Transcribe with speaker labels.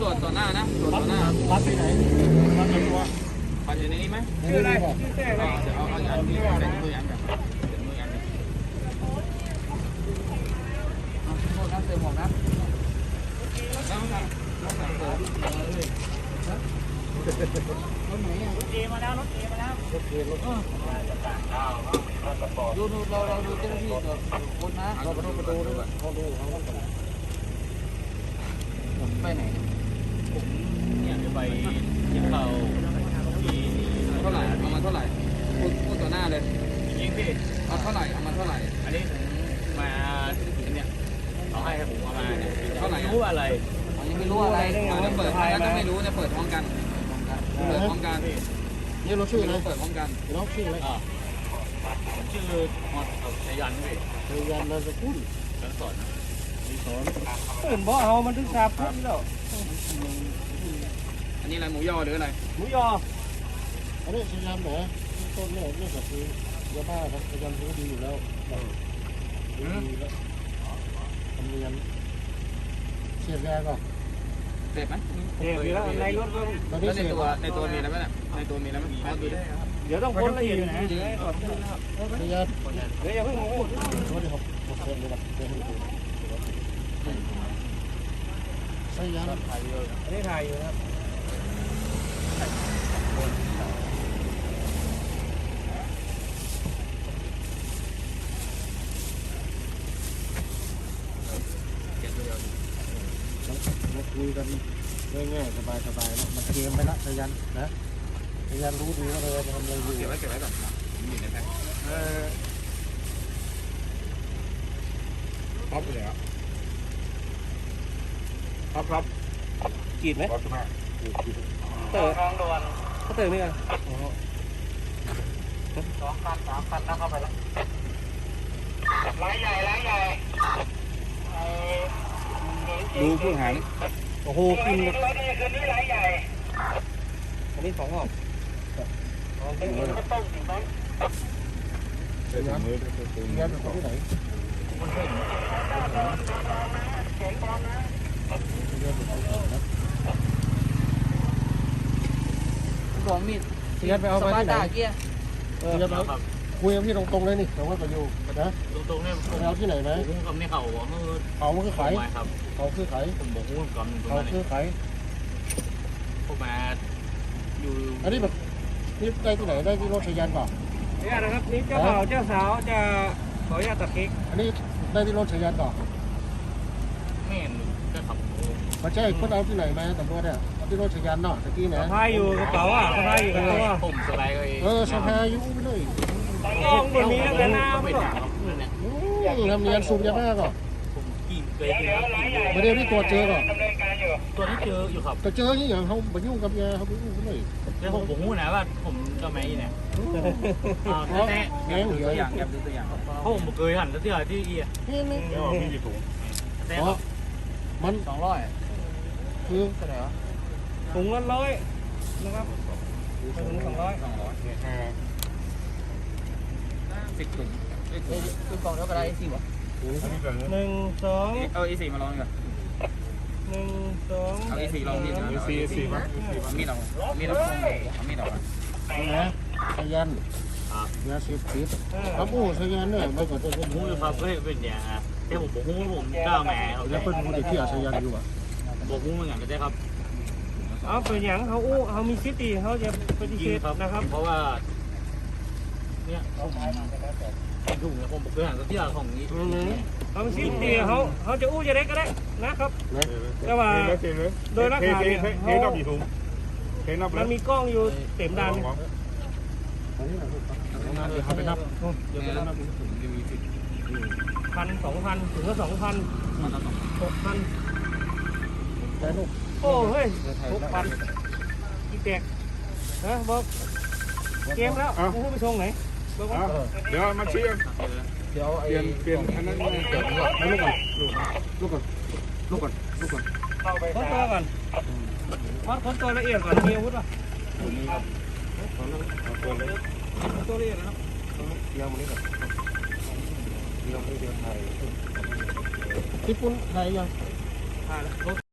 Speaker 1: จต่อหน้านะตรวจต่อหน้า
Speaker 2: วัดที่ไหนวัดในตัว
Speaker 1: ปัดอยู่ในนี้ไหม
Speaker 2: ชื่ออะไรชื่อแท้อะไร
Speaker 1: เอาอันนี้ใส่มือยันกันมือยันกันโทษนะเติมหมวกนะต้องทำต้องทำเติมเลยรถไหนอ่ะรถเอมาแล้วรถเอมาแล้วรถเอรถดูเราดูเจ้าหน้าที่กับคนนะเราประตูด้วยเขาดูเขาไปไหนผมเนี่ยจะไปกินข้าวเท่าไหร่เอามาเท่าไหร่พูดต่อหน้าเลยยิงสิเอาเท่าไหร่เอามาเท่าไหร่อันนี้มาเนี่ยเอาให้ผมเอามาเนี่ยเท่าไหร่รู้อะไรอันนี้ไม่รู้อะไรจะเปิดท้ายต้องไม่รู้จะเปิดพร้อมกันเปิดพร้อมกัน
Speaker 2: นี่เราชื่ออะไร
Speaker 1: เปิดพร้อมกัน
Speaker 2: เราชื่ออะไร
Speaker 1: ชื่อชัยยันพี่
Speaker 2: ชัยยันนามสกุล
Speaker 1: สอน
Speaker 2: ตื่นบ่เอามันถึง3 ทุ่มแล้ว
Speaker 1: อันนี้อะไรหมูยอหรืออะไร
Speaker 2: หมูยออันนี้ชัยยันเหรอต้นเนี่ยนี่ก็คือยาบ้าครับชัยยันรู้ดีอยู่แล้วดีแล้วทำเนียนเสียบแรงก่อน
Speaker 1: เสร็จไหม
Speaker 2: เสร็จแล้วในรถก็
Speaker 1: แล้วในตัวมีอะไรไหมในตัวมีอะไรไหม
Speaker 2: เดี๋ยวต้องคนละเอียดนะชัยยันเดี๋ยวอย่าเพิ่งพูดเดี๋ยวผมเซ็นเลยครับเดี๋ยวให้ดูชัยยันถ่ายอยู่อันนี้ถ่ายอยู่ครับมาคุยกันง่ายๆสบายๆนะมันเกมไปละชัยยันนะชัยยันรู้ดีว่าเราจะทำอะไรอยู่
Speaker 1: เก็บไว้ก่อนอยู่ในแพ็คครับเลยครับ
Speaker 2: กรีดไหมเต๋อเขาเต๋อนี่ไง2 คัน 3 คันนะเข้าไปแล้วร้ายใหญ่
Speaker 1: ดูผู้หาร
Speaker 2: โอ้โหกินคืนนี้ร้ายใหญ่อันนี้2 ห่อเป็นข้าวต้มถึงไหมเดี๋ยวมือเงี้ยเป็นที่ไหน
Speaker 1: บอกมีด
Speaker 2: เงี้ยไปเอาไปที่ไหน
Speaker 1: เกี้ย
Speaker 2: คุยกับพี่ตรงๆเลยนี่แต่ว่าประโยชน์นะ
Speaker 1: ตรงๆเนี่ย
Speaker 2: เอาที่ไหนไหม
Speaker 1: ผมกับนี่เขาบอก
Speaker 2: เขามันคือไข่เขาคือไข่
Speaker 1: ผมบอกว่าก่อน
Speaker 2: เขาคือไข่
Speaker 1: พวกมาอยู่
Speaker 2: อันนี้แบบนี่ได้ที่ไหนได้ที่รถชัยยันป่ะ
Speaker 3: นี่นะครับนี่เจ้าบ่าวเจ้าสาวจะขออนุญาตตัดเค้ก
Speaker 2: อันนี้ได้ที่รถชัยยันป่ะ
Speaker 1: ไม่เห็นก็ขับ
Speaker 2: มาใช่คนเอาที่ไหนมาตำรวจเนี่ยเอาที่รถชัยยันเนาะตะกี้นะ
Speaker 3: สะพายอยู่กระเป๋าสะพายอยู่กระเป๋า
Speaker 1: ผมสบายเลย
Speaker 2: สะพายอยู่ไปเลย
Speaker 3: กล้องบนนี้แล้วนะ
Speaker 1: ไม่ด่าครับ
Speaker 2: ทำเนียนสูบยาบ้าก่อน
Speaker 1: ผมกินเลย
Speaker 2: ประเดี๋ยวนี้ตัวเจอก่อน
Speaker 1: ตัวที่เจออยู่ครับ
Speaker 2: แต่เจอที่อย่างเขาไปยุ่งกับยาเขาไปยุ่งกันเลย
Speaker 1: แล้วผมรู้นะว่าผมจะไม่เนี่ยแง่ตัวอย่างแบบตัวอย่างเพราะผมเคยหันที่อะไรที่อีอ่ะ
Speaker 2: นี่
Speaker 1: มีกี่ถุง
Speaker 2: แต่มัน
Speaker 1: 200
Speaker 2: คือ
Speaker 1: เท่าไหร่วะ
Speaker 3: ถุงละ100นะครับถุง200
Speaker 1: 10 ถุงคือกล่องเท่าไหร่สิวะ
Speaker 3: 1 2
Speaker 1: เอาE4มาลองก่อน
Speaker 3: 1 2
Speaker 1: เอาE4ลองดิE4มั้ยมีดอกมีดอก
Speaker 2: นะชัยยันยาเสพติดครับโอ้ชัยยันเนี่ยไม่ก็จะเป็น
Speaker 1: หูครับเฮ้ยเป็นอย่างแต่ผมบอกหูผมกล้าแม่
Speaker 2: แล้วเป็นผู้ที่ชัยยันอยู่อ่ะ
Speaker 1: บอกหูเหมือนกันได้ครับ
Speaker 3: เอาเป็นอย่างเขามีซิตี้เขาจะปฏิเสธนะครับ
Speaker 1: เพราะว่าเนี่ยถุงเนี่ยผมเคยหันที่อะไรของนี้
Speaker 3: เขามีซิตี้เขาจะจะได้ก็ได้นะครับแต่ว่าโดยหลักฐานมันมีกล้องอยู่เต็มด้าน
Speaker 2: เขาไปนับ
Speaker 3: 1,000 2,000ถึงก็2,000 6,000
Speaker 2: แต่ลูก
Speaker 3: โอ้เฮ้ย6,000อีแตกนะบอกเกมแล้วผู้ไปชงไหน
Speaker 4: เดี๋ยวมาชี้
Speaker 2: เดี๋ยว
Speaker 4: เปลี่ยนอันนั้น
Speaker 2: เดี๋ยวลูกก่อน
Speaker 3: คนตัวก่อนคนตัวละเอียดก่อนมีอาวุธป่ะตัวละเอียดนะครับ
Speaker 2: เดี๋ยวมันนี่ก่อนเดี๋ยวไทยญี่ปุ่นไทยยัง